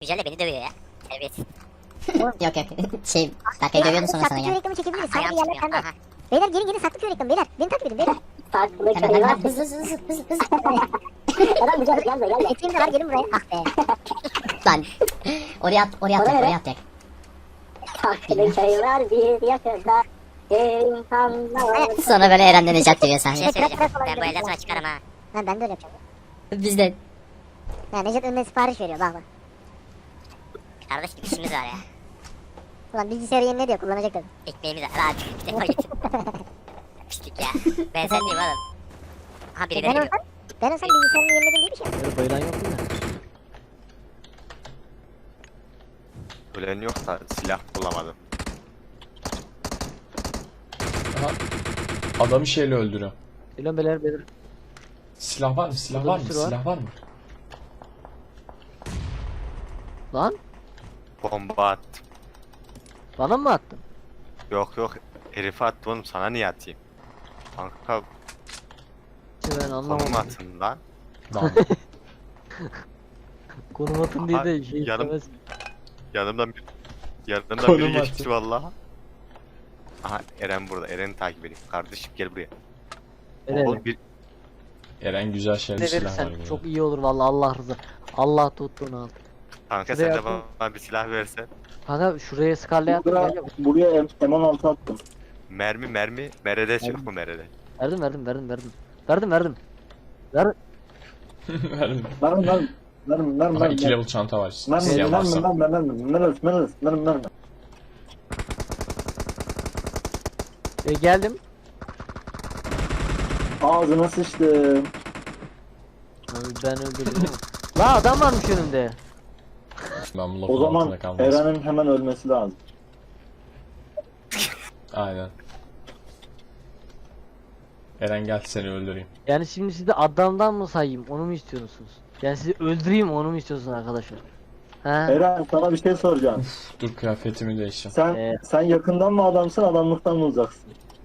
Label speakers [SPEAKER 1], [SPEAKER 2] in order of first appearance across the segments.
[SPEAKER 1] güncelle beni dövüyor ya. Terbiyesiz.
[SPEAKER 2] Yok yok. Berkay dövüyordu sonra sana
[SPEAKER 3] Saklı köy
[SPEAKER 2] gel.
[SPEAKER 3] reklamı çekebiliriz. Saklı
[SPEAKER 1] Ayağım
[SPEAKER 3] yerler
[SPEAKER 1] çıkmıyor.
[SPEAKER 3] pembe.
[SPEAKER 1] Aha.
[SPEAKER 3] Beyler gelin saklı köy reklamı beyler. Beni takip edin beyler.
[SPEAKER 4] Saklı
[SPEAKER 2] Hemen
[SPEAKER 4] köy var.
[SPEAKER 2] hemen hızlı.
[SPEAKER 4] Eren güzel gelme.
[SPEAKER 3] Eteğim de var gelin buraya. Ah be.
[SPEAKER 2] Lan. Oraya atacak.
[SPEAKER 4] Saklı köy var bir yakında. İnsanlar.
[SPEAKER 2] Sonra böyle Eren'den Necat diyor
[SPEAKER 1] Bir şey
[SPEAKER 2] sahne.
[SPEAKER 1] söyleyeceğim. Ben bu elden sonra çıkarım ha.
[SPEAKER 3] Lan ben de öyle yapacağım.
[SPEAKER 2] Biz de.
[SPEAKER 3] Ya Necdet önüne sipariş veriyor bak bak.
[SPEAKER 1] Kardeş gibi işimiz var ya.
[SPEAKER 3] Ulan bilgisayarı yenile diyor kullanacak tabii.
[SPEAKER 1] Ekmeğimiz var. Hadi bir defa git. Pislik ya. Ben sen diyeyim oğlum. Ha biri
[SPEAKER 3] Ben
[SPEAKER 1] beni
[SPEAKER 3] olsam, ben olsam bilgisayarını yeniledim diye bir şey yok.
[SPEAKER 5] Böyle bayılan yok mu?
[SPEAKER 6] Ölen yok da silah bulamadım.
[SPEAKER 7] Aha. Adamı şeyle öldürüyor.
[SPEAKER 5] Geliyorum beyler.
[SPEAKER 7] Silah var mı? Silah
[SPEAKER 5] Burada
[SPEAKER 7] var
[SPEAKER 5] bir
[SPEAKER 7] mı?
[SPEAKER 5] sürü var.
[SPEAKER 7] Silah var mı?
[SPEAKER 5] Lan
[SPEAKER 6] Bomba attım.
[SPEAKER 5] bana mı attın?
[SPEAKER 6] Yok herife attım oğlum, sana niye atayım? Kanka
[SPEAKER 5] Ben
[SPEAKER 6] konum
[SPEAKER 5] anlamadım.
[SPEAKER 6] atın lan.
[SPEAKER 7] Lan.
[SPEAKER 5] Konum atın diye de
[SPEAKER 6] Ay,
[SPEAKER 5] şey
[SPEAKER 6] yarım-
[SPEAKER 5] istemez.
[SPEAKER 6] Yanımdan
[SPEAKER 7] Konum
[SPEAKER 6] biri
[SPEAKER 7] atın.
[SPEAKER 6] geçti vallahi. Aha Eren burada. Eren'i takip edeyim. Kardeşim gel buraya.
[SPEAKER 5] Eren,
[SPEAKER 6] Oğlum bir
[SPEAKER 7] Eren güzel şeyler
[SPEAKER 5] ne
[SPEAKER 7] silah var
[SPEAKER 5] verirsen
[SPEAKER 7] burada.
[SPEAKER 5] çok iyi olur vallahi Allah rızı. Allah tuttuğunu al.
[SPEAKER 6] kanka
[SPEAKER 5] Şuraya
[SPEAKER 6] sen de
[SPEAKER 5] atın.
[SPEAKER 6] bana bir silah versen.
[SPEAKER 5] Kanka şuraya skarlaya attım.
[SPEAKER 8] Buraya,
[SPEAKER 5] Gel,
[SPEAKER 8] buraya M16 attım.
[SPEAKER 6] Mermi. Meredes yok mu Merede?
[SPEAKER 5] verdim. Ver.
[SPEAKER 7] Verdim. Aha 2 level çanta var. İsteyen varsa.
[SPEAKER 5] Geldim.
[SPEAKER 8] Ağzına sıçtım.
[SPEAKER 5] Abi ben öldürdüm. La adam varmış önümde.
[SPEAKER 7] Ben bu
[SPEAKER 8] O
[SPEAKER 7] lafın
[SPEAKER 8] zaman
[SPEAKER 7] altında kalmaz.
[SPEAKER 8] Eren'in hemen ölmesi lazım.
[SPEAKER 7] Aynen. Eren gel seni öldüreyim.
[SPEAKER 5] Yani şimdi sizi adamdan mı sayayım onu mu istiyorsunuz? Yani sizi öldüreyim onu mu istiyorsunuz arkadaşlar? Ha?
[SPEAKER 8] Eren sana bir şey soracağım.
[SPEAKER 7] Dur kıyafetimi değiştireyim.
[SPEAKER 8] Sen yakından mı adamsın, adamlıktan mı uzaksın?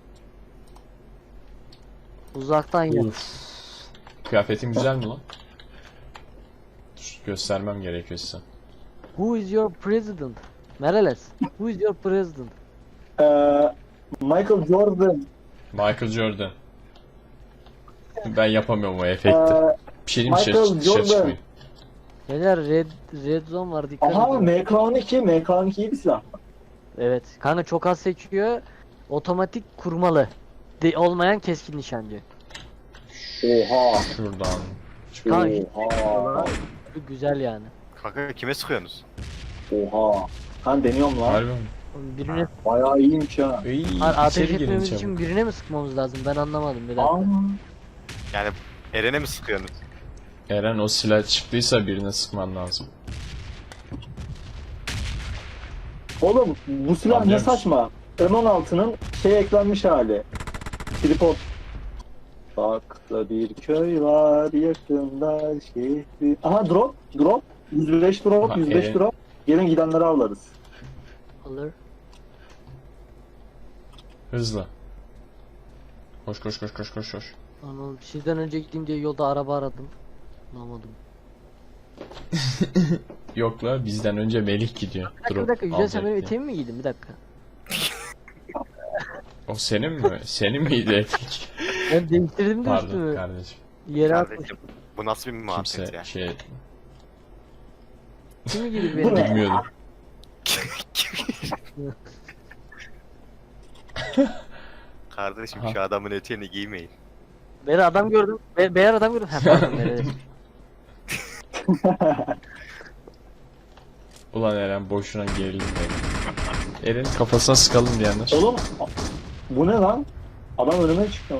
[SPEAKER 5] Uzaktan ya.
[SPEAKER 7] Uf. Kıyafetin güzel mi lan? Dur, göstermem gerekiyorsa.
[SPEAKER 5] Who is your president? Mereles. Who is your president?
[SPEAKER 8] Michael Jordan.
[SPEAKER 7] Michael Jordan. Ben yapamıyorum o efekti. Bir şey diyeyim mi?
[SPEAKER 8] Michael
[SPEAKER 7] Dışarı
[SPEAKER 8] Jordan.
[SPEAKER 7] çıkmayın.
[SPEAKER 5] Beyler red zone var dikkat
[SPEAKER 8] Aha
[SPEAKER 5] edin.
[SPEAKER 8] MK12 iyi bir silah.
[SPEAKER 5] Evet. Kanka çok az sekiyor. Otomatik kurmalı. Olmayan keskin nişancı.
[SPEAKER 8] Oha.
[SPEAKER 7] Şuradan.
[SPEAKER 5] Kanka
[SPEAKER 8] Oha.
[SPEAKER 5] güzel yani.
[SPEAKER 6] Kanka kime sıkıyorsunuz?
[SPEAKER 8] Oha. Ben deniyorum lan.
[SPEAKER 7] Harbi mi?
[SPEAKER 5] Birine
[SPEAKER 8] Bayağı iyiymiş ha.
[SPEAKER 7] İyi,
[SPEAKER 5] ateş
[SPEAKER 7] içeri girin
[SPEAKER 5] etmemiz
[SPEAKER 7] çabuk.
[SPEAKER 5] için birine mi sıkmamız lazım? Ben anlamadım bir dakika.
[SPEAKER 8] Aa.
[SPEAKER 6] Yani Eren'e mi sıkıyorsunuz?
[SPEAKER 7] Eren o silah çıktıysa birine sıkman lazım.
[SPEAKER 8] Oğlum bu silah ne
[SPEAKER 7] Anlıyormuş.
[SPEAKER 8] saçma. M16'nın eklenmiş hali. Tripod. Bak da bir köy var yakında şehri. Aha drop. 105 drop,
[SPEAKER 7] Aha,
[SPEAKER 8] 105
[SPEAKER 7] evet.
[SPEAKER 8] drop. Gelin gidenleri avlarız.
[SPEAKER 5] Alır.
[SPEAKER 7] Hızlı. Koş.
[SPEAKER 5] Anladım. Sizden önce gideyim diye yolda araba aradım. Bulamadım.
[SPEAKER 7] Yok la bizden önce Melih gidiyor.
[SPEAKER 5] Bir dakika Yücel sen
[SPEAKER 7] alacak
[SPEAKER 5] benim
[SPEAKER 7] diye.
[SPEAKER 5] eteğimi mi giydin? Bir dakika.
[SPEAKER 7] O senin mi? Senin miydi etek?
[SPEAKER 5] Ben değiştirdim de
[SPEAKER 7] Pardon
[SPEAKER 5] üstümü.
[SPEAKER 7] kardeşim.
[SPEAKER 5] Yere atmış.
[SPEAKER 6] Kardeşim bu nasıl bir muhabbet
[SPEAKER 7] Kimse
[SPEAKER 6] ya?
[SPEAKER 7] şey
[SPEAKER 5] Kimi giydi
[SPEAKER 8] Bu
[SPEAKER 5] benim?
[SPEAKER 8] ne?
[SPEAKER 7] bilmiyordum.
[SPEAKER 6] Kardeşim
[SPEAKER 7] Aha.
[SPEAKER 6] şu adamın eteğini giymeyin.
[SPEAKER 5] Beyler adam gördüm. Beyler adam gördüm. Ha pardon beyler.
[SPEAKER 7] Ulan Eren boşuna gerildim benim. Eren'in kafasına sıkalım diyenler.
[SPEAKER 8] Oğlum bu ne lan? Adam önüme çıktı.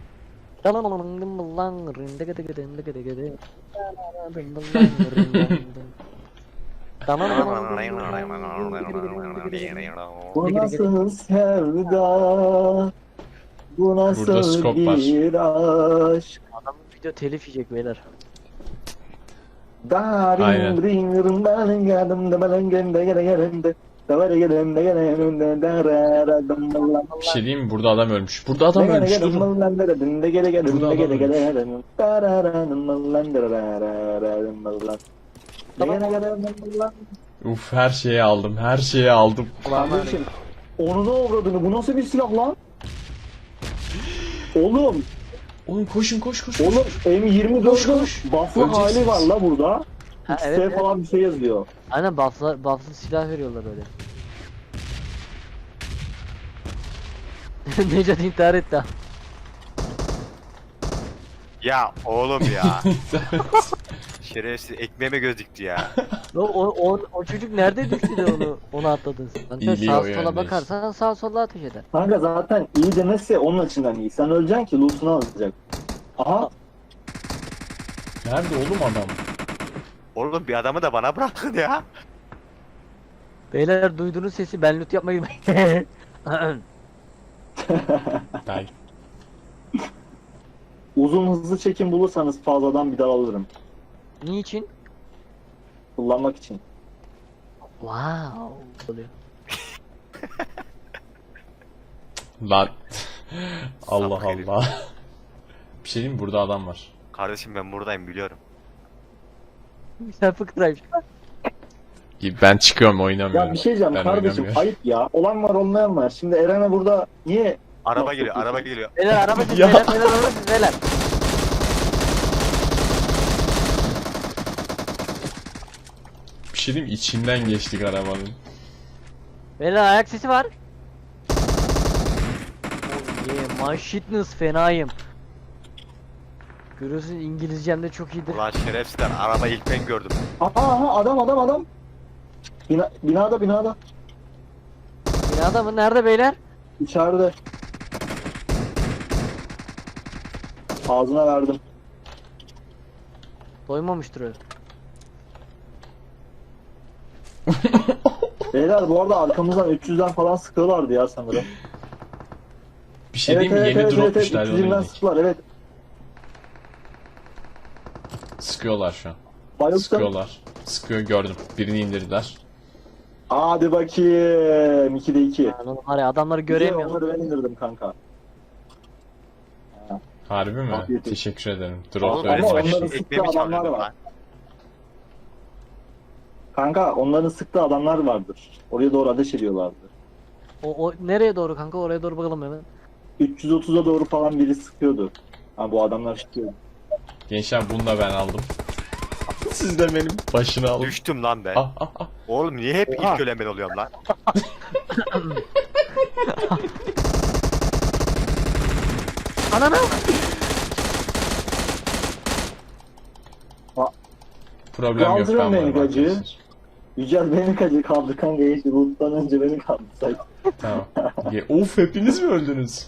[SPEAKER 8] Bu nasıl sevda? Bu
[SPEAKER 7] Burada
[SPEAKER 8] nasıl
[SPEAKER 7] skop var.
[SPEAKER 8] bir aşk?
[SPEAKER 5] Adamın video telif yiyecek beyler.
[SPEAKER 7] Aynen. Bir şey diyeyim mi? Burada adam ölmüş. Burada adam ölmüş. Durun.
[SPEAKER 8] Gene gene lan.
[SPEAKER 7] Uf, her şeyi aldım, her şeyi aldım.
[SPEAKER 8] Kardeşim. Onu da avradını. Bu nasıl bir silah lan? Oğlum.
[SPEAKER 7] Oğlum koşun, koş.
[SPEAKER 8] Oğlum
[SPEAKER 7] Koş,
[SPEAKER 8] M24'ün
[SPEAKER 7] koş.
[SPEAKER 8] buff'lı hali
[SPEAKER 7] Öleceksiniz.
[SPEAKER 8] var la burada.
[SPEAKER 5] Ha,
[SPEAKER 8] XT
[SPEAKER 5] evet, evet.
[SPEAKER 8] falan bir şey yazıyor.
[SPEAKER 5] Aynen buff'lı silah veriyorlar öyle. Necat intihar etti ha.
[SPEAKER 6] Ya oğlum ya. Şerefsiz ekmeğime göz dikti ya.
[SPEAKER 5] O çocuk nerede düştü de onu atladın sen. Kanka
[SPEAKER 7] İyiliği
[SPEAKER 5] sağa
[SPEAKER 7] o
[SPEAKER 5] sola
[SPEAKER 7] yöndeyiz.
[SPEAKER 5] bakarsan sağa sola ateş eder.
[SPEAKER 8] Kanka zaten iyi demezse onun açısından iyi. Sen öleceksin ki loot'unu alacak. Aha.
[SPEAKER 7] Nerede oğlum adam?
[SPEAKER 6] Oğlum bir adamı da bana bırakın ya.
[SPEAKER 5] Beyler duyduğunuz sesi ben loot yapmayı
[SPEAKER 7] Belki.
[SPEAKER 8] Uzun hızlı çekim bulursanız fazladan bir daha alırım.
[SPEAKER 5] Niçin?
[SPEAKER 8] Kullanmak için.
[SPEAKER 5] Wow. Oluyor.
[SPEAKER 7] Lan. Allah
[SPEAKER 6] Sapık herif.
[SPEAKER 7] Allah. Bir şey diyeyim mi? Burada adam var.
[SPEAKER 6] Kardeşim ben buradayım biliyorum.
[SPEAKER 5] Sen fıkraymış.
[SPEAKER 7] Ben çıkıyorum, oynamıyorum.
[SPEAKER 8] Ya bir şey diyeceğim
[SPEAKER 7] Ben
[SPEAKER 8] kardeşim
[SPEAKER 7] oynamıyorum.
[SPEAKER 8] ayıp ya. Olan var olmayan var. Şimdi Eren'e burada niye
[SPEAKER 6] Araba
[SPEAKER 8] Yok,
[SPEAKER 6] geliyor,
[SPEAKER 8] yok,
[SPEAKER 6] araba
[SPEAKER 8] yok.
[SPEAKER 6] geliyor.
[SPEAKER 5] Beyler araba siz
[SPEAKER 7] Ya.
[SPEAKER 5] beyler araba siz beyler.
[SPEAKER 7] Bir şey diyeyim mi? İçinden geçtik arabanın.
[SPEAKER 5] Beyler ayak sesi var. Oh yeah, my shitness fenayım. Görüyorsun İngilizcem de çok iyidir.
[SPEAKER 6] Ulan şerefsizler araba ilk ben gördüm.
[SPEAKER 8] Aha adam. Binada.
[SPEAKER 5] Binada mı? Nerede beyler?
[SPEAKER 8] İçeride. Ağzına verdim.
[SPEAKER 5] Doymamıştır o.
[SPEAKER 8] Beyler bu arada arkamızdan 300'den falan sıkıyorlardı ya sanırım.
[SPEAKER 7] Bir şey diyeyim mi? Yeni dropmuşlar.
[SPEAKER 8] 300'den sıktılar evet.
[SPEAKER 7] Sıkıyorlar şu an.
[SPEAKER 8] Bayıldım.
[SPEAKER 7] Sıkıyorlar. Sıkıyor, gördüm. Birini indirdiler.
[SPEAKER 8] Hadi bakayım. 2'de 2.
[SPEAKER 5] Yani oğlum var ya adamları göremiyorum.
[SPEAKER 8] Onları ben indirdim kanka.
[SPEAKER 7] Harbi mi?
[SPEAKER 8] Afiyet olsun.
[SPEAKER 7] Teşekkür ederim.
[SPEAKER 6] Oğlum
[SPEAKER 7] Drop
[SPEAKER 8] Ama
[SPEAKER 6] öyle
[SPEAKER 8] onların
[SPEAKER 7] vermiş.
[SPEAKER 8] sıktığı
[SPEAKER 6] ekmeğimi
[SPEAKER 8] adamlar
[SPEAKER 6] çalıyordum
[SPEAKER 8] var.
[SPEAKER 6] lan.
[SPEAKER 8] Kanka onların sıktığı adamlar vardır. Oraya doğru ateş ediyorlardı.
[SPEAKER 5] O nereye doğru kanka? Oraya doğru bakalım hemen.
[SPEAKER 8] 330'a doğru falan biri sıkıyordu. Ha bu adamlar sıkıyordu.
[SPEAKER 7] Gençler bunu da ben aldım. Siz de benim başını alın.
[SPEAKER 6] Düştüm lan ben.
[SPEAKER 7] Ah.
[SPEAKER 6] Oğlum niye hep
[SPEAKER 8] Oha.
[SPEAKER 6] ilk ölen ben oluyorum lan?
[SPEAKER 5] Ananı!
[SPEAKER 7] Problem yok,
[SPEAKER 8] Kaldırın
[SPEAKER 7] ben
[SPEAKER 8] beni
[SPEAKER 7] varım
[SPEAKER 8] gacı.
[SPEAKER 7] arkadaşlar.
[SPEAKER 8] Yücel beni kaçır kaldı kanka geçti. Buluttan önce beni kaldı say.
[SPEAKER 7] Tamam. Of, hepiniz mi öldünüz?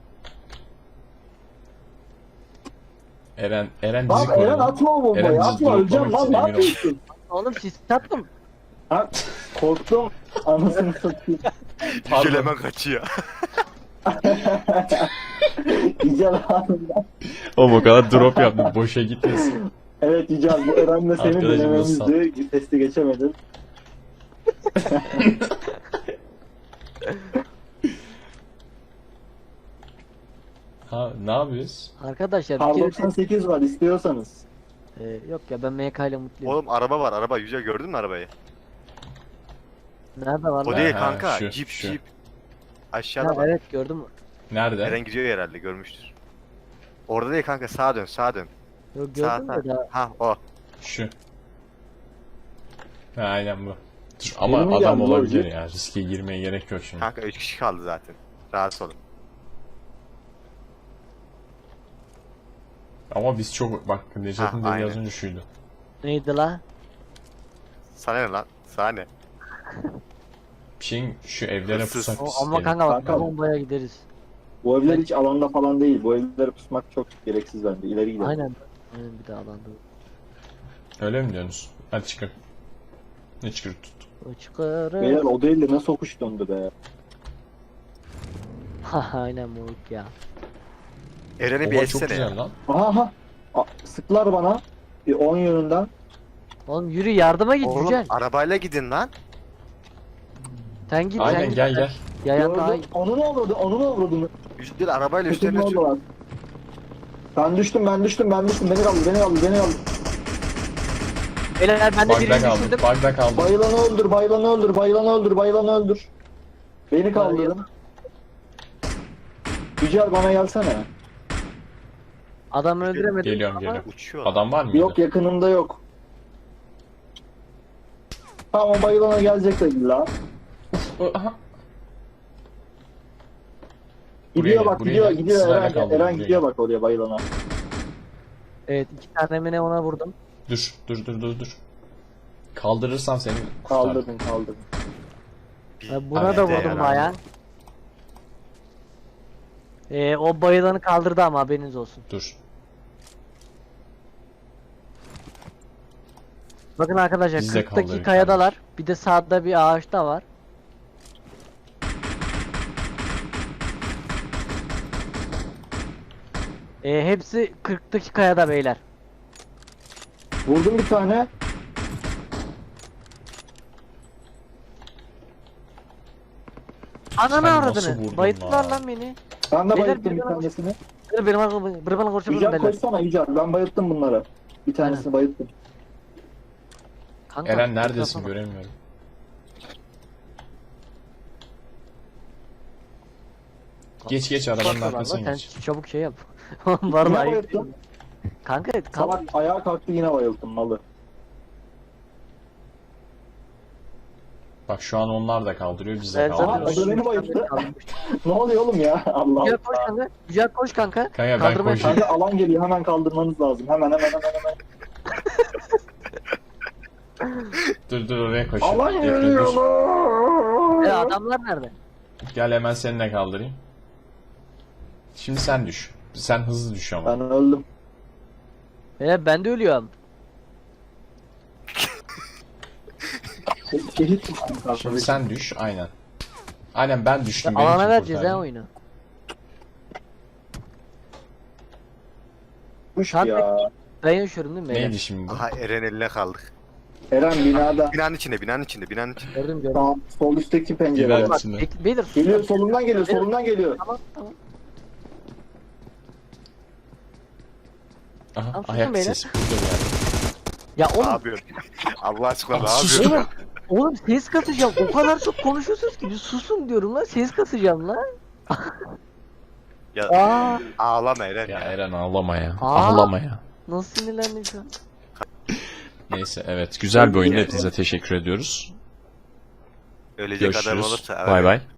[SPEAKER 7] Eren bizi
[SPEAKER 8] Lan
[SPEAKER 7] korudu.
[SPEAKER 8] Eren atma o bombayı
[SPEAKER 7] Eren bizi
[SPEAKER 8] atma öleceğim lan
[SPEAKER 7] droplamak
[SPEAKER 8] ne
[SPEAKER 7] için
[SPEAKER 8] yapıyorsun?
[SPEAKER 5] Oğlum sis tattım.
[SPEAKER 8] Ha, korktum anasını satayım.
[SPEAKER 7] Pardon.
[SPEAKER 6] Yücel hemen kaçıyor.
[SPEAKER 8] Yücel anında.
[SPEAKER 7] Oğlum o kadar drop yaptım, boşa gitmesin.
[SPEAKER 8] Evet Yücel bu Eren'le senin
[SPEAKER 7] Arkadaşım,
[SPEAKER 8] denememizdi. Testi geçemedin.
[SPEAKER 7] Ha, ne yapıyoruz?
[SPEAKER 5] Arkadaşlar
[SPEAKER 8] Kar
[SPEAKER 5] bir kere
[SPEAKER 8] 98 var istiyorsanız.
[SPEAKER 5] yok ya ben MK ile mutluyum.
[SPEAKER 6] Oğlum araba var araba. Yücel gördün mü arabayı?
[SPEAKER 5] Nerede var
[SPEAKER 6] O
[SPEAKER 5] lan?
[SPEAKER 6] değil
[SPEAKER 7] Ha,
[SPEAKER 6] kanka.
[SPEAKER 7] şu,
[SPEAKER 6] Jeep
[SPEAKER 7] şu.
[SPEAKER 6] Jeep.
[SPEAKER 5] Ha,
[SPEAKER 6] Aşağıda bak.
[SPEAKER 5] evet gördüm.
[SPEAKER 7] Nerede?
[SPEAKER 6] Eren gidiyor herhalde görmüştür. Orada değil kanka sağa dön sağa dön.
[SPEAKER 5] Yok
[SPEAKER 6] Sağ
[SPEAKER 5] gördüm
[SPEAKER 6] sağ.
[SPEAKER 5] de daha.
[SPEAKER 6] Ha o.
[SPEAKER 7] Şu. Ha, aynen bu. Dur, ama
[SPEAKER 8] Benim
[SPEAKER 7] adam
[SPEAKER 8] geldi
[SPEAKER 7] olabilir
[SPEAKER 8] lan.
[SPEAKER 7] ya. Riske girmeye gerek yok şimdi.
[SPEAKER 6] Kanka 3 kişi kaldı zaten. Rahatsız olun.
[SPEAKER 7] Ama biz çok... Bak Necat'ın
[SPEAKER 6] Ha,
[SPEAKER 7] dediği az
[SPEAKER 6] aynen.
[SPEAKER 7] önce şuydu.
[SPEAKER 5] Neydi la?
[SPEAKER 6] Sana ne lan? Sana ne?
[SPEAKER 7] Bir şeyin şu evlere
[SPEAKER 6] Hırsız.
[SPEAKER 7] pusak
[SPEAKER 5] O,
[SPEAKER 7] biz.
[SPEAKER 5] ama kanka bak
[SPEAKER 8] Kanka.
[SPEAKER 5] bombaya gideriz.
[SPEAKER 8] Bu evler hiç alanda falan değil. Bu evlere pusmak çok gereksiz bence. İleri gidelim.
[SPEAKER 5] Aynen. Aynen bir daha alanda.
[SPEAKER 7] Öyle mi diyorsunuz? Hadi çıkın. Ne çıkır tut.
[SPEAKER 5] Çıkarım.
[SPEAKER 8] Beyler o değil de nasıl okuş döndü be.
[SPEAKER 5] Aynen moruk ya.
[SPEAKER 6] Eren'i bir
[SPEAKER 7] Oha, çok
[SPEAKER 6] etsene ya.
[SPEAKER 7] güzel lan.
[SPEAKER 8] Aha. Sıktılar bana. Bir 10 yönünden.
[SPEAKER 5] Oğlum yürü yardıma git
[SPEAKER 6] Oğlum
[SPEAKER 5] Yücel.
[SPEAKER 6] arabayla gidin lan.
[SPEAKER 5] Sen git
[SPEAKER 7] Aynen,
[SPEAKER 5] sen git.
[SPEAKER 7] gel.
[SPEAKER 5] Yayan daha iyi.
[SPEAKER 8] Gördüm. Onu ne avradı? Onu ne avradı?
[SPEAKER 6] Yücel arabayla
[SPEAKER 8] Bütün
[SPEAKER 6] üstlerine sür.
[SPEAKER 8] oradalar. Ben düştüm. Beni kaldı.
[SPEAKER 5] Beyler ben de
[SPEAKER 7] Bug'da
[SPEAKER 5] birini
[SPEAKER 7] kaldım.
[SPEAKER 5] düşürdüm.
[SPEAKER 7] Bug'da kaldım.
[SPEAKER 8] Bayılanı öldür, bayılanı öldür, bayılanı öldür, bayılanı öldür. Beni kaldırın. Yücel bana gelsene.
[SPEAKER 5] Adamı öldüremedim.
[SPEAKER 7] Geliyorum
[SPEAKER 5] ama
[SPEAKER 7] geliyorum.
[SPEAKER 6] Uçuyor.
[SPEAKER 7] Adam var mı?
[SPEAKER 8] Yok yakınımda yok. Tamam bayılana gelecek de illa.
[SPEAKER 7] Aha.
[SPEAKER 8] Gidiyor
[SPEAKER 7] gel,
[SPEAKER 8] bak
[SPEAKER 7] buraya
[SPEAKER 8] gidiyor
[SPEAKER 7] gel.
[SPEAKER 8] gidiyor
[SPEAKER 7] Sırayla
[SPEAKER 8] Eren,
[SPEAKER 7] kaldır,
[SPEAKER 8] Eren
[SPEAKER 7] buraya
[SPEAKER 8] gidiyor
[SPEAKER 7] gel.
[SPEAKER 8] bak oraya bayılana.
[SPEAKER 5] Evet 2 tane mi ne ona vurdum.
[SPEAKER 7] Dur. Kaldırırsam seni kurtarırım.
[SPEAKER 8] Kaldırdın kaldırdın.
[SPEAKER 5] Buna da vurdum baya. O bayılanı kaldırdı ama haberiniz olsun.
[SPEAKER 7] Dur.
[SPEAKER 5] Bakın arkadaşlar
[SPEAKER 7] Biz de
[SPEAKER 5] 40'taki
[SPEAKER 7] kaldırdık
[SPEAKER 5] kayadalar. Bir de sağda bir ağaç da var. Hepsi 40'taki kayada beyler.
[SPEAKER 8] Vurdum bir tane.
[SPEAKER 5] Ananı
[SPEAKER 7] Sen nasıl
[SPEAKER 5] avradını.
[SPEAKER 7] vurdun
[SPEAKER 5] Bayılttılar
[SPEAKER 7] lan?
[SPEAKER 5] lan beni.
[SPEAKER 8] Ben de
[SPEAKER 5] Beyler,
[SPEAKER 8] bayılttım bir
[SPEAKER 5] bir bana-
[SPEAKER 8] tanesini.
[SPEAKER 5] Dur benim bana konuşalım
[SPEAKER 8] Yücel
[SPEAKER 5] beyler.
[SPEAKER 8] koysana Yücel. Ben bayılttım bunları. Bir tanesini bayılttım.
[SPEAKER 5] Kanka,
[SPEAKER 7] Eren neredesin
[SPEAKER 5] mikrofonu-
[SPEAKER 7] göremiyorum. Geç arabanın
[SPEAKER 5] Korkma lan,
[SPEAKER 7] arkasına
[SPEAKER 5] sen
[SPEAKER 7] geç.
[SPEAKER 5] çabuk şey yap.
[SPEAKER 8] Yine
[SPEAKER 5] Vallahi ayıp.
[SPEAKER 8] bayılttım.
[SPEAKER 5] Kanka
[SPEAKER 8] Salak ayağa kalktı yine bayılttım malı.
[SPEAKER 7] Bak şu an onlar da kaldırıyor biz de
[SPEAKER 5] Ben
[SPEAKER 8] Aha,
[SPEAKER 7] kaldırıyoruz.
[SPEAKER 8] o da beni bayılttı. Ne oluyor oğlum ya? Allah
[SPEAKER 5] Güzel
[SPEAKER 8] Allah.
[SPEAKER 5] koş kanka. Güzel koş kanka.
[SPEAKER 7] Kanka ben
[SPEAKER 5] Kaldırmaya
[SPEAKER 7] koşayım.
[SPEAKER 8] Kanka alan geliyor hemen kaldırmanız lazım. Hemen.
[SPEAKER 7] Dur oraya koşayım.
[SPEAKER 8] Alan
[SPEAKER 7] Bekle,
[SPEAKER 8] geliyor
[SPEAKER 7] dur.
[SPEAKER 8] lan.
[SPEAKER 5] Adamlar nerede?
[SPEAKER 7] Gel hemen seni de kaldırayım. Şimdi sen düş. Sen hızlı düş ama.
[SPEAKER 8] Ben öldüm.
[SPEAKER 5] Ben de ölüyorum.
[SPEAKER 8] Şehit mi?
[SPEAKER 7] Şimdi sen düş aynen. Aynen ben düştüm. beni
[SPEAKER 5] Alana
[SPEAKER 7] kim
[SPEAKER 5] vereceğiz
[SPEAKER 7] kurtardı?
[SPEAKER 5] ha oyunu.
[SPEAKER 8] Kuş
[SPEAKER 5] Saat
[SPEAKER 8] ya.
[SPEAKER 5] Ben yaşıyorum değil mi? beyler?
[SPEAKER 7] Neydi şimdi bu?
[SPEAKER 6] Aha Eren eline kaldık.
[SPEAKER 8] Eren binada.
[SPEAKER 6] Binanın içinde.
[SPEAKER 5] Gördüm.
[SPEAKER 8] Tamam, sol üstteki pencerede.
[SPEAKER 7] Biber
[SPEAKER 5] Bak,
[SPEAKER 7] içinde.
[SPEAKER 5] Beyler sus.
[SPEAKER 8] Geliyor solundan geliyor solundan geliyor.
[SPEAKER 5] Tamam.
[SPEAKER 7] Aha,
[SPEAKER 5] Tamam,
[SPEAKER 7] ayak
[SPEAKER 5] susun beyler.
[SPEAKER 7] sesi. Burada bir yerde.
[SPEAKER 5] Ya
[SPEAKER 6] Ne
[SPEAKER 5] oğlum,
[SPEAKER 6] yapıyorsun? Allah aşkına ne
[SPEAKER 7] Sus.
[SPEAKER 6] yapıyorsun?
[SPEAKER 5] oğlum ses kasacağım. O kadar çok konuşuyorsunuz ki bir susun diyorum lan. Ses kasacağım lan.
[SPEAKER 6] Ya
[SPEAKER 5] Aa,
[SPEAKER 6] ağlama Eren
[SPEAKER 7] Ya
[SPEAKER 6] ya.
[SPEAKER 7] Eren ağlama ya.
[SPEAKER 5] Aa.
[SPEAKER 7] Ağlama ya.
[SPEAKER 5] nasıl sinirlendim şu an.
[SPEAKER 7] Neyse evet güzel bir oyundu. Hepinize teşekkür ediyoruz.
[SPEAKER 6] Ölecek adam
[SPEAKER 7] Görüşürüz.
[SPEAKER 6] olursa.
[SPEAKER 7] Bay bay.